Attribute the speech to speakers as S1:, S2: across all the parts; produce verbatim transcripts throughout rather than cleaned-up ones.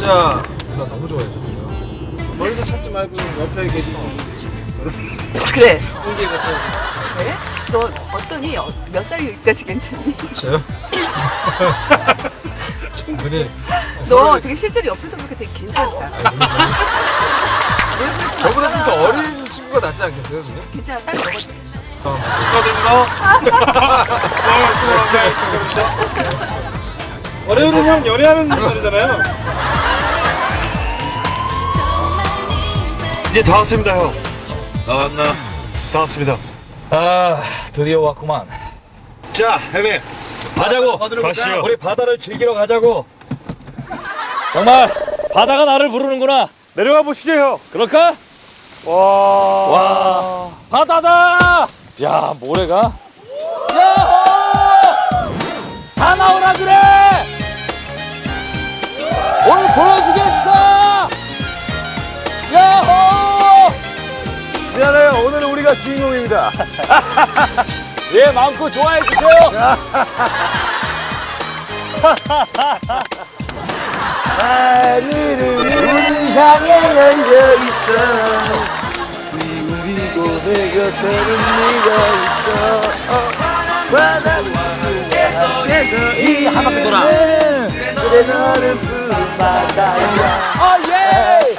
S1: 여자 누나 너무 좋아했었어요. 멀리서 찾지 말고 옆에 계시면
S2: 그래.
S1: 홍기가 쳐.
S2: 그래? 너 어떠니? 어, 몇 살이 여기까지 괜찮니?
S1: 저요? 충분히.
S2: 너 지금 실제로 옆에서 보니까 되게 괜찮다.
S1: 저보다 좀 더 어린 친구가 낫지 않겠어요, 지금?
S2: 괜찮아. 딱 먹어도 되겠어.
S1: 어, 축하드립니다. 월요일은 형 연애하는 날이잖아요.
S3: 이제 다 왔습니다, 형. 나왔나? 다 왔습니다.
S4: 아, 드디어 왔구만.
S3: 자, 형님.
S4: 가자고.
S3: 가시죠.
S4: 우리 바다를 즐기러 가자고. 정말 바다가 나를 부르는구나.
S3: 내려가 보시죠, 형.
S4: 그럴까?
S3: 와.
S4: 와, 바다다. 야, 모래가. 야호! 다 나오라 그래. 오늘 보여주겠어. 야호!
S3: 미안해요. 오늘은 우리가 주인공입니다.
S4: 예, 마음껏 좋아해 주세요.
S3: 하늘은 우리 향해 열려 있어. 그리고 내 곁에는 네가 있어. 바다 위에서 이 한 바퀴 돌아. 그래 너는 푸른 바다야.
S4: 아, 예!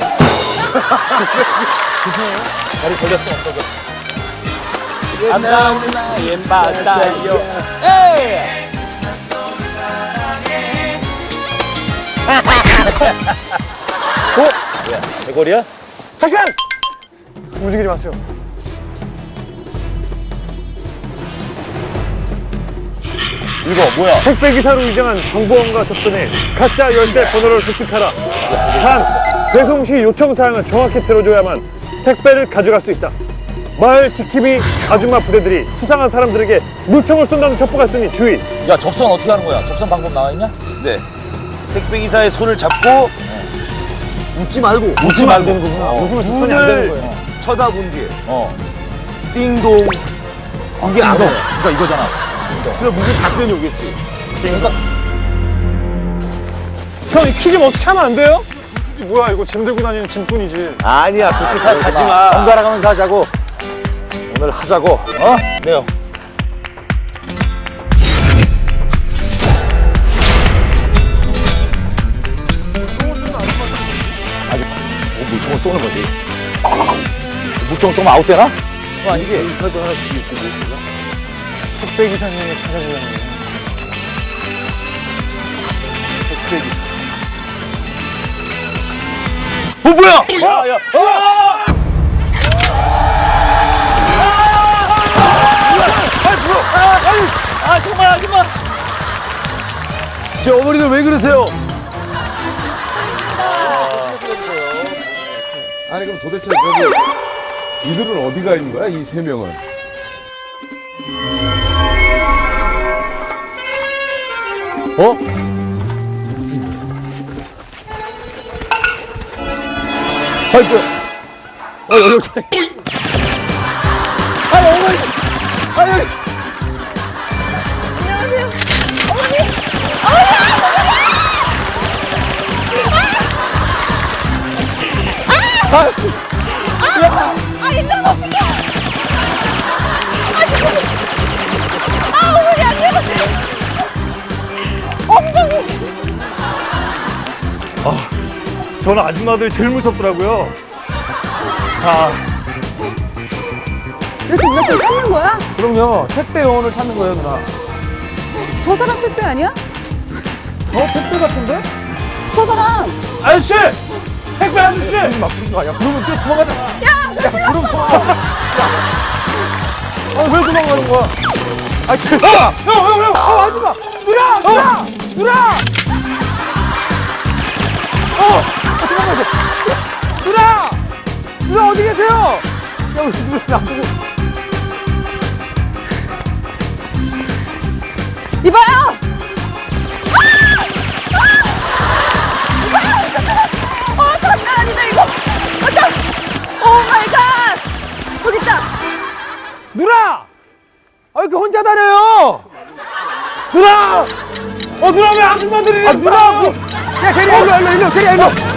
S4: 다리 걸렸어, 엉덩이.
S3: 난 나의 바다요.
S4: 에이! 어? 뭐야, 대골이야?
S3: 잠깐! 움직이지 마세요.
S4: 이거 뭐야?
S3: 택배 기사로 위장한 정보원과 접선해 가짜 열쇠 번호를 획득하라. 단, 배송 시 요청 사항을 정확히 들어줘야만 택배를 가져갈 수 있다. 마을 지킴이 아줌마 부대들이 수상한 사람들에게 물총을 쏜다는 첩보가 있으니 주의.
S4: 야, 접선 어떻게 하는 거야? 접선 방법 나와 있냐?
S5: 네. 택배 기사의 손을 잡고
S3: 웃지 말고.
S4: 웃으면 안 되는
S3: 거구나.
S4: 어.
S3: 웃으면 접선이 안 되는 거예요.
S5: 쳐다본 뒤에
S4: 어.
S5: 띵동. 이게 안 돼.
S4: 그러니까 이거잖아.
S5: 그럼 무슨 답변이 오겠지.
S4: 그러니까
S3: 형, 이 키 좀 어떻게 하면 안 돼요? 뭐야, 이거 짐 들고 다니는 짐꾼이지.
S5: 아니야, 그렇게 생각하지 마.
S4: 번갈아 가면서 하자고. 오늘 하자고. 어?
S5: 네요.
S4: 뭐 물총을 쏘는 거지. 물총 쏘면 아웃되나? 그거 아니지?
S3: 택배 기사님을 찾아주려는 거예요. 택배 기사.
S5: 어, 뭐야?
S4: 야, 야. 어! 아, 정말 아줌마.
S5: 저 어머니들 왜 그러세요?
S6: 아니 그럼 도대체 저기 이들은 어디가 있는 거야? 이 세 명은?
S4: 어? 아이고. 어, 여기 오지. 아이, 어머니. 아이, 여기.
S2: 안녕하세요. 어머니. 아, 일로 어떡해. 아, 어머니 안녕하세요. 엉덩이.
S3: 저는 아줌마들이 제일 무섭더라고요. 아,
S2: 이렇게 누나 좀 찾는 거야?
S3: 그럼요. 택배 요원을 찾는 거예요, 누나.
S2: 저 사람 택배 아니야?
S3: 어, 택배 같은데?
S2: 저 사람.
S3: 아저씨! 택배 아저씨! 부르지 마, 부르지 마. 야, 부르면 또 도망가잖아.
S2: 야,
S3: 야, 부르면 도망가. 야. 아, 왜 도망가는 거야? 아, 그, 형! 형, 형, 형! 어, 아줌마! 누나! 누나! 누나! 어! 어, 도망가세요. 누나! 누나 어디 계세요? 야, 우리 누나 안 보고.
S2: 이봐요. 어, 장난 아니다 이거. 어떡. 오 마이 갓. 거기 있다.
S3: 누나! 아, 이렇게 혼자 다녀요! 누나! 어, 누나 왜 아줌마들이. 아, 누나! 뭐, 야, 대리야, 일로, 일로, 일로, 대리야, 일로.